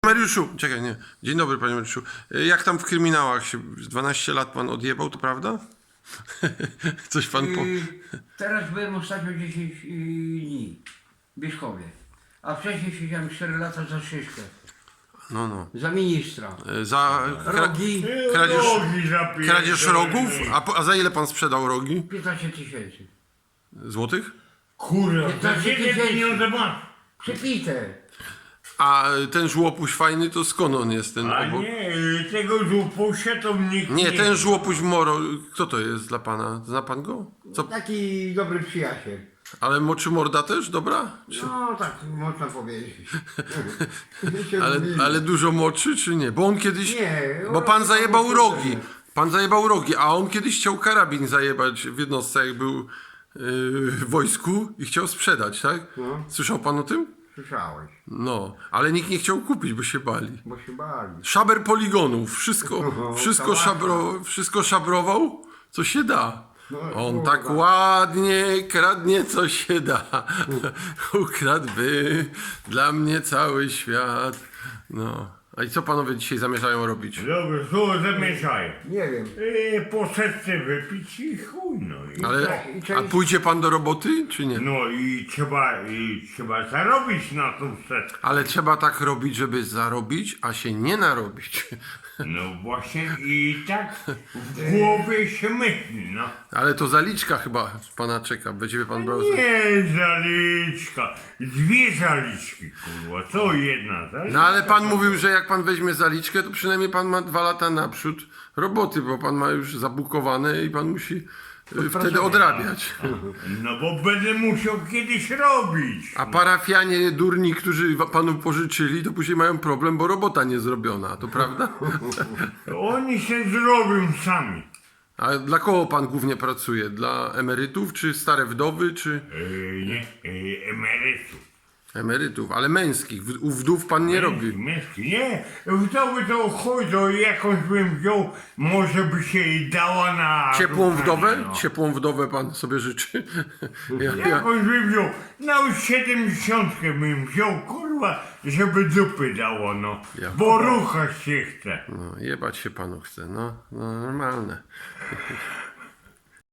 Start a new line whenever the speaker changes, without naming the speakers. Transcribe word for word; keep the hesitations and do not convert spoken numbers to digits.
Mariuszu, czekaj, nie. Dzień dobry, panie Mariuszu. Jak tam w kryminałach się dwanaście lat pan odjebał, to prawda? Coś pan po...
Yy, teraz byłem ostatnio dziesięć yy, dni w Bieszkowie, a wcześniej siedziałem cztery lata za szyszkę,
No, no.
za ministra.
Za kra...
Rogi
kradzież,
Rogi zapierdolone.
kradzież rogów? A, po... A za ile pan sprzedał rogi?
piętnaście tysięcy.
Złotych?
Kurwa, za
piętnaście
ciebie
tysięcy.
pieniądze masz.
Przepite.
A ten żłopuś fajny, to skąd on jest, ten
A
obok?
nie, tego żupusia to nikt nie...
Nie, ten żłopuś Moro, kto to jest dla pana? Zna pan go? Co?
Taki dobry przyjaciel.
Ale moczy morda też, dobra? Czy...
No tak można powiedzieć.
Ale, ale dużo moczy, czy nie? Bo on kiedyś...
Nie,
Bo pan
on-
zajebał
on-
rogi. Pan zajebał rogi, a on kiedyś chciał karabin zajebać w jednostce, jak był yy, w wojsku i chciał sprzedać, tak?
No.
Słyszał pan o tym?
Słyszałeś,
No, ale nikt nie chciał kupić, bo się bali.
bo się bali.
Szaber poligonów, wszystko,
No,
wszystko,
kałasza.
szabro, wszystko szabrował, co się da.
No,
On
kurwa.
tak ładnie kradnie, co się da. Ukradłby dla mnie cały świat. No. A i co panowie dzisiaj zamierzają robić?
Dobrze, co zamieszają?
Nie wiem.
Yy, po setce wypić i chuj, no. I,
Ale,
I co
a
jest-
pójdzie pan do roboty, czy nie?
no i trzeba, i trzeba zarobić na tą setkę.
Ale trzeba tak robić, żeby zarobić, a się nie narobić.
No właśnie i tak w głowie się myśli, no.
Ale to zaliczka chyba pana czeka, będzie pan brał. za-
Nie zaliczka, dwie zaliczki, kurwa, co jedna zaliczka?
No ale pan mówił, że jak pan weźmie zaliczkę, to przynajmniej pan ma dwa lata naprzód roboty, bo pan ma już zabukowane i pan musi y, wtedy odrabiać.
No bo będę musiał kiedyś robić.
A parafianie durni, którzy wa- panu pożyczyli, to później mają problem, bo robota nie zrobiona, to prawda?
Oni się zrobią sami.
A dla kogo pan głównie pracuje? Dla emerytów, czy stare wdowy, czy
Yy, nie, yy, emerytów.
emerytów, ale męskich? W- U wdów pan nie robi.
Męski, nie. Wdowy to chuj, to jakąś bym wziął, może by się jej dała na...
Ciepłą wdowę?
No.
Ciepłą wdowę pan sobie życzy? Ja, ja,
Jakąś bym wziął, na siedemdziesiątkę bym wziął, kurwa, żeby dupy dało, no.
Ja.
Bo ruchać się chce.
no, jebać się panu chce, no, no normalne.